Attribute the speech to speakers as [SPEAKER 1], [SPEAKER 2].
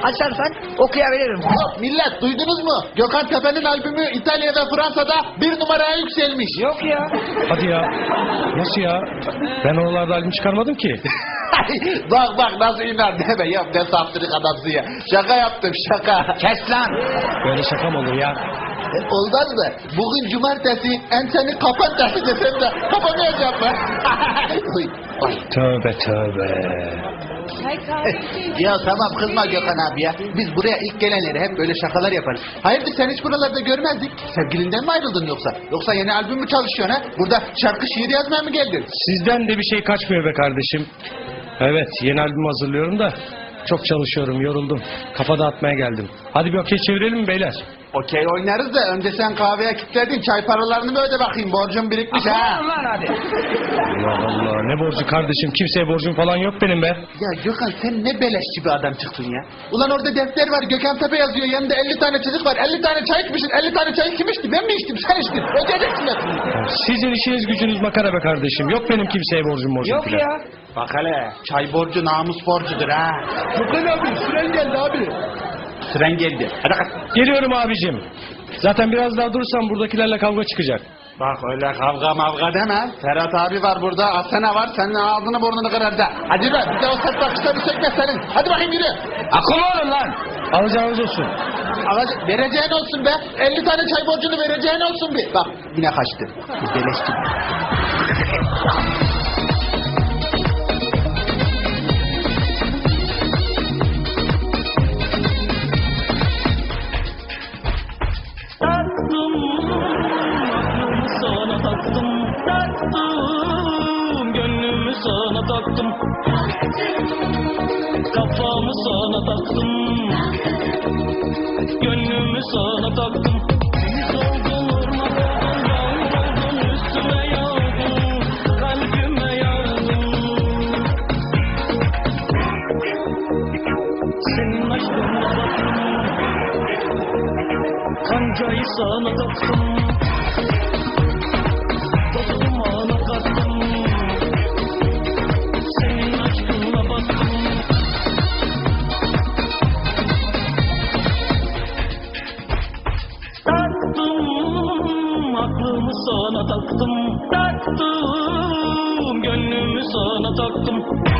[SPEAKER 1] açarsan okuyabilirim.
[SPEAKER 2] Hop millet, duydunuz mu? Gökhan Tepe'nin albümü İtalya ve Fransa'da 1 numaraya yükselmiş.
[SPEAKER 1] Yok ya.
[SPEAKER 3] Hadi ya. Nasıl ya? Ben oralarda albüm çıkarmadım ki.
[SPEAKER 2] Bak nasıl inan deme ya, ne saftirik adamsın ya. Şaka yaptım, şaka.
[SPEAKER 1] Kes lan.
[SPEAKER 3] Böyle şaka mı olur ya?
[SPEAKER 2] Olmaz mı? Bugün cumartesi, enseni kapat desem de kapamayacağım ben. Oy.
[SPEAKER 3] Tövbe tövbe.
[SPEAKER 2] Ya tamam, kızma Gökhan abi ya. Biz buraya ilk gelenleri hep böyle şakalar yaparız. Hayırdır, sen hiç buralarda görmezdik. Sevgilinden mi ayrıldın yoksa? Yoksa yeni albüm mü çalışıyorsun ha? Burada şarkı şiir yazmaya mı geldin?
[SPEAKER 3] Sizden de bir şey kaçmıyor be kardeşim. Evet, yeni albüm hazırlıyorum da çok çalışıyorum, yoruldum. Kafa dağıtmaya geldim. Hadi bir okey çevirelim mi beyler?
[SPEAKER 2] Okey oynarız da önce sen kahveye kilitledin. Çay paralarını bir öde bakayım. Borcum birikmiş ha.
[SPEAKER 1] Lan hadi.
[SPEAKER 3] Allah Allah, ne borcu kardeşim? Kimseye borcum falan yok benim be.
[SPEAKER 2] Ya Gökhan, sen ne beleşçi bir adam çıktın ya. Ulan orada defter var, Gökhan Tepe yazıyor. Yanında 50 tane çocuk var. 50 tane çay içmişsin. 50 tane çay kim içti? Ben mi içtim? Sen içtin. Ödeyeceksin hepsini.
[SPEAKER 3] Sizin işiniz gücünüz makara be kardeşim. Yok benim kimseye borcum
[SPEAKER 1] Yok
[SPEAKER 3] filan.
[SPEAKER 1] ya.
[SPEAKER 2] Bak hele, çay borcu namus borcudur ha. Gökhan abi, süren geldi abi. Süren geldi. Hadi kalk.
[SPEAKER 3] Geliyorum abicim. Zaten biraz daha durursam buradakilerle kavga çıkacak.
[SPEAKER 2] Bak öyle kavga mavga deme. Ferhat abi var burada, Asena var. Senin ağzını burnunu kırar da. Hadi be, bir de o sert bakışları çekme senin. Hadi bakayım yürü.
[SPEAKER 1] Akıllı olun lan.
[SPEAKER 3] Alacağınız olsun.
[SPEAKER 2] Vereceğin olsun be. 50 tane çay borcunu vereceğin olsun bir. Bak yine kaçtı. Beleşti.
[SPEAKER 4] Gönlümü sana taktım, kafamı sana taktım, gönlümü sana taktım. Deniz oldun, orman oldun, yağmur oldun, üstüme yağdın, kalbime yağdın. Senin aşkına baktım, kancayı sana taktım. Sana taktım, gönlümü sana taktım.